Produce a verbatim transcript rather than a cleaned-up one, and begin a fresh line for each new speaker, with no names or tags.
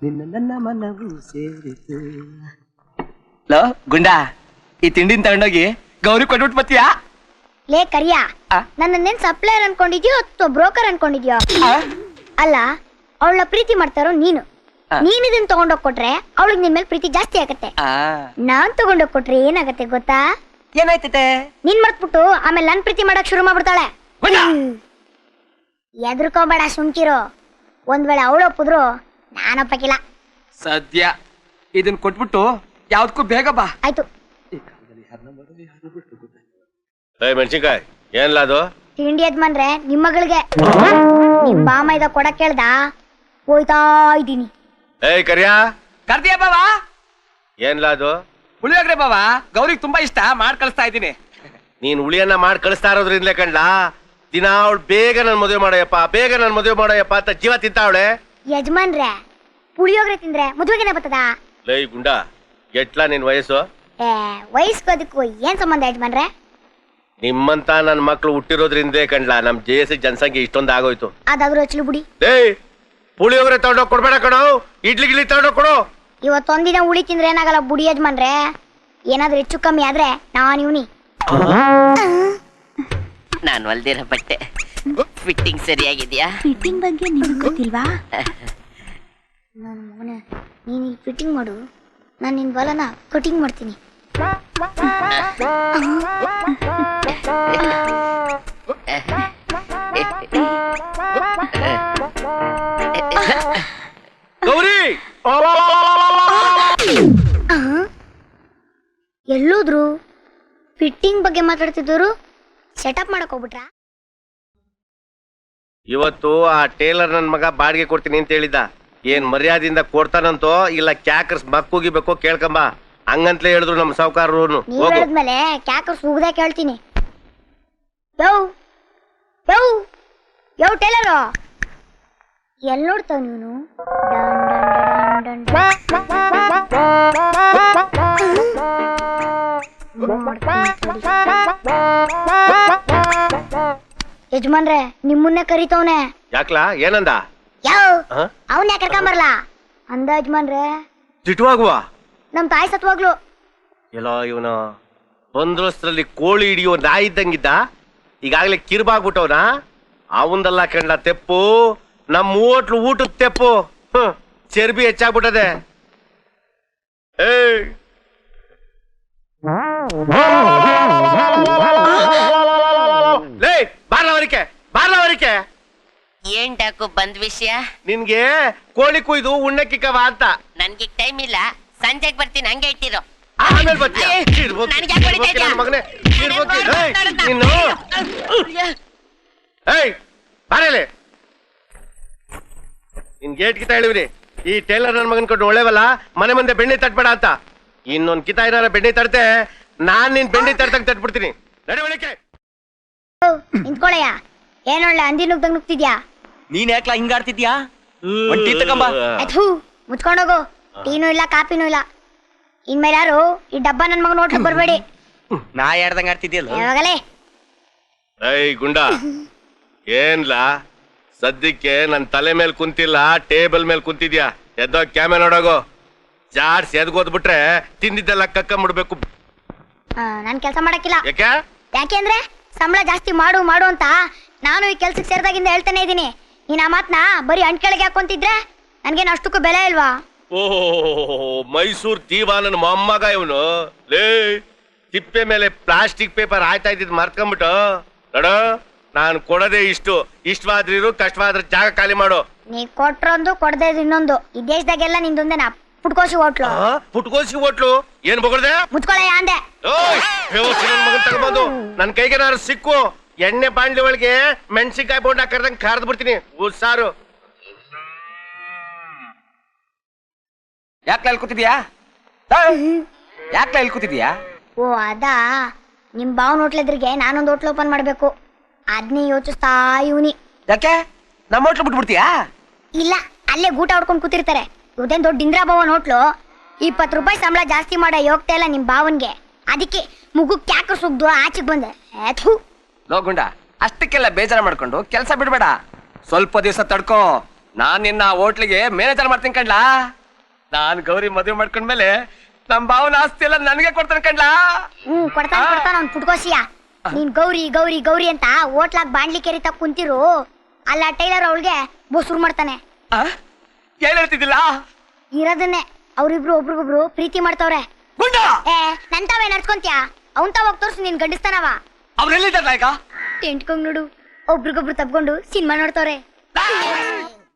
ನಿನ್ನ ನನ್ನ ಮನವು ಸೇರಿತು. ಲೋ ಗುಂಡಾ, ಈ ತಿಂಡಿನ ತಗೊಂಡೋಗಿ ಗೌರಿ ಕೊಟ್ಬಿಟ್ಟು ಬತ್ತೀಯಾ?
ಲೇ ಕರಿಯ, ನನ್ನೇನ್ ಸಪ್ಲೈಯರ್ ಅನ್ಕೊಂಡಿದ್ಯೋ ಅಥವಾ ಬ್ರೋಕರ್ ಅನ್ಕೊಂಡಿದ್ಯೋ? ಅಲ್ಲ, ಅವಳ ಪ್ರೀತಿ ಮಾಡ್ತಾರೋ ನೀನು. ನೀನ್ ಇದನ್ನ ತಗೊಂಡೋಗ್ ಕೊಟ್ರೆ ಅವಳಿಗೆ ನಿನ್ ಮೇಲೆ ಪ್ರೀತಿ ಜಾಸ್ತಿ ಆಗತ್ತೆ. ನಾನ್ ತಗೊಂಡೋಗ್ ಕೊಟ್ರೆ ಏನಾಗತ್ತೆ ಗೊತ್ತಾ?
ಏನಾಯ್ತತೆ?
ನೀನ್ ಮರ್ತ್ಬಿಟ್ಟು ಆಮೇಲೆ ನನ್ ಪ್ರೀತಿ ಮಾಡಕ್ ಶುರು ಮಾಡ್ಬಿಡ್ತಾಳೆ. ಎದ್ರಕೋಬೇಡ, ಸುಮ್ಕಿರೋ. ಒಂದ್ ವೇಳೆ ಅವಳು ಒಪ್ಪಿದ್ರು ನಾನೊಪ್ಪಕಿಲ್ಲ.
ಸದ್ಯ ಇದನ್ ಕೊಟ್ಬಿಟ್ಟು ಯಾವ್ದಕ್ಕೂ ಬೇಗ ಬಾ.
ಆಯ್ತು.
ಮೆಣಸಿನ್ಕಾಯಿ ಏನ್ಲ ಅದು?
ತಿಂಡಿ ಯಜಮಾನ್ರೆ, ನಿಮ್ ಮಗಳಿಗೆ ನಿಮ್ ಬಾಮ ಇದ ಕೊಡಕ್ ಕೇಳ್ದ, ಹೋಯ್ತಾ ಇದ್ದೀನಿ.
ಏಯ್ ಕರಿಯಾ,
ಕರ್ದಿಯ ಬಾವಾ?
ಏನ್ಲ ಅದು?
ಪುಳಿಯೋಗ್ರೆ ಬಾವಾ, ಗೌರಿಗೆ ತುಂಬಾ ಇಷ್ಟ, ಮಾಡ್ ಕಳಿಸ್ತಾ ಇದ್ದೀನಿ.
ನೀನ್ ಹುಳಿಯನ್ನ ಮಾಡಿ ಕಳಿಸ್ತಾ ಇರೋದ್ರಿಂದಲೇ ಕಂಡ್ಲಾ ದಿನ ಅವಳು ಬೇಗ ನನ್ ಮದುವೆ ಮಾಡೋಯಪ್ಪ, ಬೇಗ ನನ್ ಮದುವೆ ಮಾಡೋಯಪ್ಪ ಅಂತ ಜೀವ ತಿಂತಾವಳೆ.
ಯಜಮಾನ್ರೆ, ಪುಳಿಯೋಗ್ರೆ ತಿಂದ್ರೆ ಮದುವೆಗೆನೆ ಬರ್ತದ?
ಲೈ ಗುಂಡ, ಎಟ್ಲಾ ನಿನ್ ವಯಸ್ಸು?
ಏ, ವಯಸ್ಕೋದಕ್ಕೂ ಏನ್ ಸಂಬಂಧ ಯಜಮಾನ್ರೆ?
ನಿಮ್ಮಂತ ನನ್ ಮಕ್ಳು ಹುಟ್ಟಿರೋದ್ರಿಂದಲೇ ಕಂಡ್ಲಾ ನಮ್ ಜೆ ಎಸ್ ಜನಸಂಖ್ಯೆ ಇಷ್ಟೊಂದು ಆಗೋಯ್ತು.
ಅದಾದ್ರೂ ಹಚ್ಚಲು ಬಿಡಿ.
ಏಯ್, ಪುಳಿಯೋಗ್ರೆ ತಗೊಂಡೋಗ್ ಕೊಡ್ಬೇಡ ಕಣೋ, ಇಡ್ಲಿ ಗಿಡ್ಲಿ ತಗೊಂಡೋಗ್ ಕೊಡು.
ಇವತ್ತೊಂದಿನ ಉಳಿ ತಿಂದ್ರೆ ಏನಾಗಲ್ಲ ಬುಡಿ ಯಜಮಾನ್ರೆ. ಏನಾದ್ರೂ ಹೆಚ್ಚು ಕಮ್ಮಿ ಆದ್ರೆ ನಾನ್ ಇವನಿ.
ನಾನು ಹೊಲ್ದಿರೋ ಬಟ್ಟೆ ಫಿಟ್ಟಿಂಗ್ ಸರಿಯಾಗಿದ್ಯಾ?
ಫಿಟ್ಟಿಂಗ್ ಬಗ್ಗೆ ನಿಮ್ಗೆ ಗೊತ್ತಿಲ್ವಾ? ನನ್ನ ಮಗನೇ, ನೀನು ಈ ಫಿಟ್ಟಿಂಗ್ ಮಾಡು, ನಾನು ನಿನ್ ಬಲನ ಕಟಿಂಗ್ ಮಾಡ್ತೀನಿ.
ಗೌರಿ,
ಎಲ್ಲೋದ್ರು? ಫಿಟ್ಟಿಂಗ್ ಬಗ್ಗೆ ಮಾತಾಡ್ತಿದ್ದವರು ಸೆಟಪ್ ಮಾಡಕ್ ಹೋಗ್ಬಿಟ್ರಾ?
ಇವತ್ತು ಆ ಟೇಲರ್ ನನ್ ಮಗ ಬಾಡಿಗೆ ಕೊಡ್ತೀನಿ ಅಂತ ಹೇಳಿದ್ದ. ಏನ್ ಮರ್ಯಾದಿಂದ ಕೊಡ್ತಾನಂತೋ ಇಲ್ಲ ಕ್ಯಾಕರ್ಸ್ ಮಕ್ಕೂಗಿಬೇಕೋ ಕೇಳ್ಕಂಬ, ಹಂಗಂತಲೇ ಹೇಳಿದ್ರು ನಮ್ ಸಾವುಕಾರರು.
ನೀವ್ ಹೇಳಿದ್ಮೇಲೆ ಕ್ಯಾಕರ್ಸ್ ಹೋಗದೆ ಕೇಳ್ತೀನಿ. ಯೋ ಯೋ ಯೋ ಟೇಲರು, ಎಲ್ ನೋಡ್ತಾವ ನೀನು? ಯಜಮಾನ್ರೆ, ನಿಮ್ಮನ್ನೇ ಕರಿತವನೆ.
ಯಾಕ್ಲಾ, ಏನಂದ?
ಯಾವ ಅವನ್ ಯಾಕೆ ಕರ್ಕೊಂಬರ್ಲ ಅಂದ ಯಜಮಾನ್ರೆ?
ತಿಟ್ಟುವಾಗುವ
ನಮ್ ತಾಯಿ ಸತ್ವಾಗ್ಲು.
ಎಲ್ಲೋ ಇವನು ಬಂದ್ರಸ್ತ್ರಲ್ಲಿ ಕೋಳಿ ಹಿಡಿಯೋ ನಾಯಿ ಇದ್ದಂಗಿದ್ದ, ಈಗಾಗ್ಲೇ ಕಿರ್ಬಾಗ್ಬಿಟ್ಟವನ. ಅವಂದಲ್ಲ ಕಂಡ ತೆಪ್ಪು, ನಮ್ ಹೋಟ್ಲು ಊಟದ ತೆಪ್ಪು. ಹ್ಮ್, ಚರ್ಬಿ ಹೆಚ್ಚಾಗ್ಬಿಟ್ಟದೆ. ಏಯ್, ಲೇ ಬಾರ್ಲವರಿಕೆ, ಬಾರ್ಲವರಿಕೆ.
ಏನ್ ಡಾಕು ಬಂದ್ ವಿಷಯ?
ನಿನ್ಗೆ ಕೋಳಿ ಕುಯ್ದು ಉಣ್ಣಕ್ಕಿಕ್ಕವ ಅಂತ.
ನನ್ಗೆ ಟೈಮ್ ಇಲ್ಲ, ಸಂಜೆಗ್ ಬರ್ತೀನಿ, ಹಂಗೆ ಇಟ್ಟಿರೋ.
ಆಮೇಲೆ ಬರ್ತೀಯ? ಮಗನೇ ನೀನು. ಏಯ್ ಬಾರೇಲೆ, ನಿನ್ ಗೇಟ್ ಕಿತಾ ಹೇಳಿವ್ರಿ. ಈ ಟೇಲರ್ ನನ್ ಮಗನ್ ಕೊಟ್ಟು ಒಳ್ಳೆವಲ್ಲ, ಮನೆ ಮುಂದೆ ಬೆಣ್ಣೆ ತಟ್ಬೇಡ ಅಂತ. ಇನ್ನೊಂದ್ ಕಿತಾ ಏನಾರ ಬೆಣ್ಣೆ ತಡ್ತೆ, ನಾನ್ ನಿನ್ ಬೆಣ್ಣೆ ತಡ್ತಂಗ್ ತಟ್ಬಿಡ್ತೀನಿ. ನಡವಳಿಕೆ
ನಿಂತ್ಕೊಳಯ್ಯ, ಏನೊಳ್ಳೆ ಅಂದಿ ನುಗ್ದಂಗ್ ನುಗ್ತಿದ್ಯಾ?
ನೀನ್ ಯಾಕ್ಲಾ ಹಿಂಗಾಡ್ತಿದ್ಯಾ? ಟೀ ತಗೊಂಬ.
ಮುಚ್ಕೊಂಡೋಗು, ಟೀನೂ ಇಲ್ಲ ಕಾಪಿನೂ ಇಲ್ಲ. ಇನ್ಮೇಲೆ ಯಾರು ಈ ಡಬ್ಬ ನನ್ ಮಗನ ಹೋಟ್ಲಿಗೆ ಬರ್ಬೇಡಿ.
ನಾ ಯಾರ್ದಂಗ ಆಡ್ತಿದ್ಯಲ್ಲ
ಯಾವಾಗಲೇ.
ಏಯ್ ಗುಂಡ, ಏನ್ಲಾ ಸದ್ಯಕ್ಕೆ ನನ್ ತಲೆ ಮೇಲೆ ಕುಂತಿಲ್ಲ, ಟೇಬಲ್ ಮೇಲೆ ಕುಂತಿದ್ಯಾ. ಎದ್ದೋ ಕ್ಯಾಮೆ ನೋಡೋಗು. ಜಾಡ್ಸ್ ಎದ್ಗೋದ್ಬಿಟ್ರೆ ತಿಂದಿದ್ದೆಲ್ಲ ಕಕ್ಕಂಬಿಡ್ಬೇಕು.
ನಾನ್ ಕೆಲ್ಸ ಮಾಡಕ್ಕಿಲ್ಲ.
ಯಾಕೆ?
ಯಾಕೆಂದ್ರೆ ಸಂಬಳ ಜಾಸ್ತಿ ಮಾಡು ಮಾಡು ಅಂತ ನಾನು ಈ ಕೆಲ್ಸಕ್ಕೆ ಸೇರಿದಾಗಿಂದ ಹೇಳ್ತಾನೆ ಇದೀನಿ. ನೀನ್ ಆ ಮಾತ್ನ ಬರೀ ಅಂಟ್ಕೆಳಗೆ ಹಾಕೊಂತಿದ್ರೆ ನನ್ಗೇನು ಅಷ್ಟಕ್ಕೂ ಬೆಲೆ ಇಲ್ವಾ?
ಓಹೋ, ಮೈಸೂರ್ ದೀವಾ ನನ್ನ ಮೊಮ್ಮಗ ಇವನು. ಲೇ, ತಿಪ್ಪೆ ಮೇಲೆ ಪ್ಲಾಸ್ಟಿಕ್ ಪೇಪರ್ ಆಯ್ತಾ ಇದ್ದಿದ್ ಮರ್ತ್ಕೊಂಡ್ಬಿಟ್ಟು ನೋಡ. ನಾನು ಕೊಡೋದೇ ಇಷ್ಟು, ಇಷ್ಟವಾದ್ರಿರು, ಕಷ್ಟವಾದ್ರ ಜಾಗ ಖಾಲಿ ಮಾಡು.
ನೀ ಕೊಟ್ರೊಂದು ಕೊಡದೆ ಇನ್ನೊಂದು. ಈ ದೇಶದಾಗೆಲ್ಲ ನಿಂದೊಂದೇನ ಪುಟ್ಕೋಸಿ ಹೋಟ್ಲು.
ಪುಟ್ಕೋಸಿ ಹೋಟ್ಲು ಏನ್ ಬೊಗಳ್ದೆ?
ಮುಚ್ಕೊಳ್ಳಯ್ಯ ಅಂದೆ.
ಮಗನ್ ತಗೊಂಡು ನನ್ ಕೈಗೆ ನಾನು ಸಿಕ್ಕು ಎಣ್ಣೆ ಬಾಂಡ್ಲಿ ಒಳಗೆ ಮೆಣಸಿನ್ಕಾಯಿ ಬೋಂಡ ಕರ್ದಂಗ್ ಕರ್ದ್ ಬಿಡ್ತೀನಿ. ಸಾರು
ಯಾಕ್ಲ ಇಲ್ಲಿ ಕೂತಿದ್ಯಾ? ಯಾಕ್ಲ ಇಲ್ಲಿ ಕೂತಿದ್ಯಾ?
ಓ ಅದಾ, ನಿಮ್ ಬಾವನ್ ಹೋಟ್ಲೆದ್ರಿಗೆ ನಾನೊಂದು ಹೋಟ್ಲ್ ಓಪನ್ ಮಾಡ್ಬೇಕು. ಅದ್ನೇ ಯೋಚಿಸ್ತಾ ಇವನಿ.
ಯಾಕೆ ನಮ್ಮ ಹೋಟ್ಲು ಬಿಟ್ಬಿಡ್ತೀಯಾ?
ಇಲ್ಲ, ಅಲ್ಲೇ ಗೂಟ ಹೊಡ್ಕೊಂಡ್ ಕೂತಿರ್ತಾರೆ. ಇವ್ದೇನ್ ದೊಡ್ಡ ಇಂದ್ರಾ ಭವನ್ ಹೋಟ್ಲು. ಇಪ್ಪತ್ತು ರೂಪಾಯಿ ಸಂಬಳ ಜಾಸ್ತಿ ಮಾಡ ಯೋಗ್ತಾ ಇಲ್ಲ ನಿಮ್ ಬಾವನ್ಗೆ. ಅದಕ್ಕೆ ಮುಗು ಕ್ಯಾಕ ಸುಗ್ದು ಆಚೆಗೆ ಬಂದೆ.
ಲೋಗುಂಡ, ಅಷ್ಟಕ್ಕೆಲ್ಲ ಬೇಜಾರ ಮಾಡ್ಕೊಂಡು ಕೆಲಸ ಬಿಡ್ಬೇಡ. ಸ್ವಲ್ಪ ದಿವಸ ತಡ್ಕೋ, ನಾನ್ ನಿನ್ನ ಹೋಟ್ಲಿಗೆ ಮ್ಯಾನೇಜರ್ ಮಾಡ್ತೀನಿ ಕಣ್ಲಾ. ನಾನ್ ಗೌರಿ ಮದುವೆ ಮಾಡ್ಕೊಂಡ್ಮೇಲೆ ನಮ್ ಭಾವನ ಆಸ್ತಿ ಎಲ್ಲ ನನಗೆ ಕೊಡ್ತಾನೆ ಕಣ್ಲಾ.
ಹ್ಮ್ ಕೊಡ್ತಾನ ಕೊಡ್ತಾನ ಅವ್ನ್ ಪುಟ್ಕೋಸಿಯ. ನೀನ್ ಗೌರಿ ಗೌರಿ ಗೌರಿ ಅಂತ ಹೋಟ್ಲಾಗ್ ಬಾಂಡ್ಲಿ ಕೆರಿತ ಕುಂತಿರು, ಅಲ್ಲ ಟೈಲರ್ ಅವಳಿಗೆ ಬೋಸುರು ಮಾಡ್ತಾನೆ.
ಆ? ಏನ್ ಹೇಳ್ತಿದ್ದಿಲ್ಲ?
ಇರೋದನ್ನೇ ಅವ್ರಿಬ್ರು ಒಬ್ರಿಗೊಬ್ರು ಪ್ರೀತಿ ಮಾಡ್ತವ್ರೆ.
ಗುಂಡ
ಏ ನಂತಾವೇ ನಡ್ಸ್ಕೊಂತ್ಯಾ? ಅವನ್ ತಾವಾಗ ತೋರ್ಸು ನೀನ್ ಗಂಡಿಸ್ತಾನವ.
ಅವ್ರೆಲ್ಲಿದ್ದಾರ ಈಗ?
ಎಂಟ್ಕೊಂಡ್ ನೋಡು, ಒಬ್ರಿಗೊಬ್ರು ತಪ್ಕೊಂಡು ಸಿನಿಮಾ ನೋಡ್ತವ್ರೆ.